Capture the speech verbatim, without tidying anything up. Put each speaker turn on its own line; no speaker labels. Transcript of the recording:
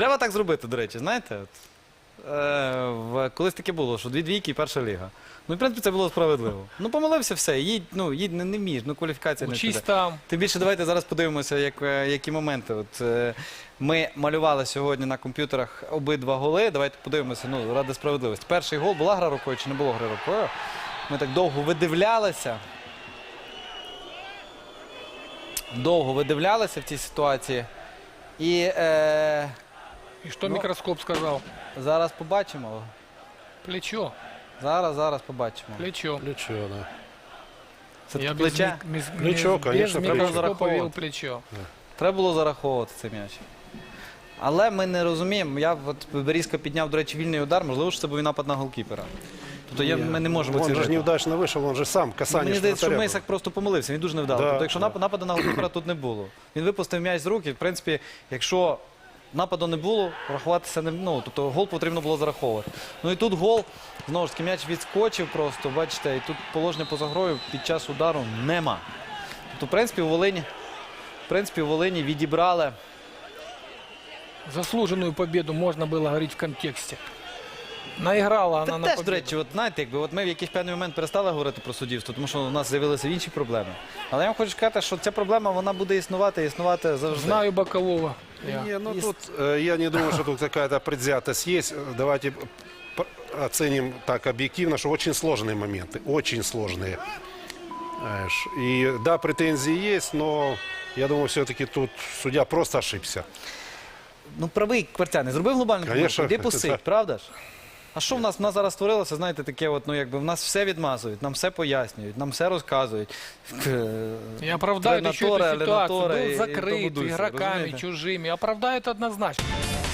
Треба так зробити, до речі, знаєте? От, е, в, колись таке було, що дві двійки і перша ліга. Ну, в принципі, це було справедливо. Ну, помилився все, їдь, ну, їдь не, не вмієш, ну, кваліфікація не
Учись
туди.
там.
Тим більше, давайте зараз подивимося, як, е, які моменти. От, е, ми малювали сьогодні на комп'ютерах обидва голи. Давайте подивимося, ну, ради справедливості. Перший гол, була гра рукою чи не було гри рукою? Ми так довго видивлялися. Довго видивлялися в цій ситуації. І е,
И что
Ну.
микроскоп сказал?
зараз побачимо.
Плечо.
Зараз, зараз побачимо.
Плечо.
Плечо, да.
Це
Я
тут
без,
плече.
мик- без,
Плечо,
без,
конечно,
без
плечо.
микроскопа
Зараховывать.
видел плечо.
Треба було зараховувати цей м'яч. Але ми не розуміємо. Я от Берізка підняв, до речі, вільний удар. Можливо, що це був напад на голкіпера. Тобто я, ми не можемо
Он же
оцінити.
неудачно вышел, он же сам касание
Мені здається, що
штрафаря
Мисак просто помилився, він дуже невдало.
Да,
Тобто, якщо
да.
нап- нападу на голкіпера тут не було. Він випустив м'яч з рук, і, в принципі, якщо нападу не було, рахуватися не ну, тобто гол потрібно було зараховувати. Ну і тут гол, знову ж таки, м'яч відскочив просто, бачите, і тут положення поза грою під час удару нема. Тобто, в принципі, у Волині, в принципі, у Волині відібрали.
Заслуженную победу можно было говорить в контексте. Наиграла
Та
она на
теж, до
победу.
речі, от знаєте, якби от ми в якийсь певний момент перестали говорити про суддівство, тому що у нас з'явилися інші проблеми. Але я вам хочу сказати, що ця проблема вона буде існувати, існувати завжди.
Знаю бокового. Я.
Не, ну
Есть-
тут э, я не думаю, что тут какая-то предвзятость есть. Давайте п- оценим так объективно, что очень сложные моменты, очень сложные. Знаешь, и да, претензии есть, но я думаю, все-таки тут судья просто ошибся.
Ну, правий Кварцяний, зробив глобальну помилку,
Конечно,
іди
це-
посидь, правда ж? А що в нас? В нас зараз створилося, знаєте, таке от, ну, якби в нас все відмазують, нам все пояснюють, нам все розказують.
И оправдают еще
Тренатора,
эту ситуацию.
Ленатора
Был
и- и
закрыт
тому дусе,
игроками
разумеете?
чужими. Оправдают однозначно.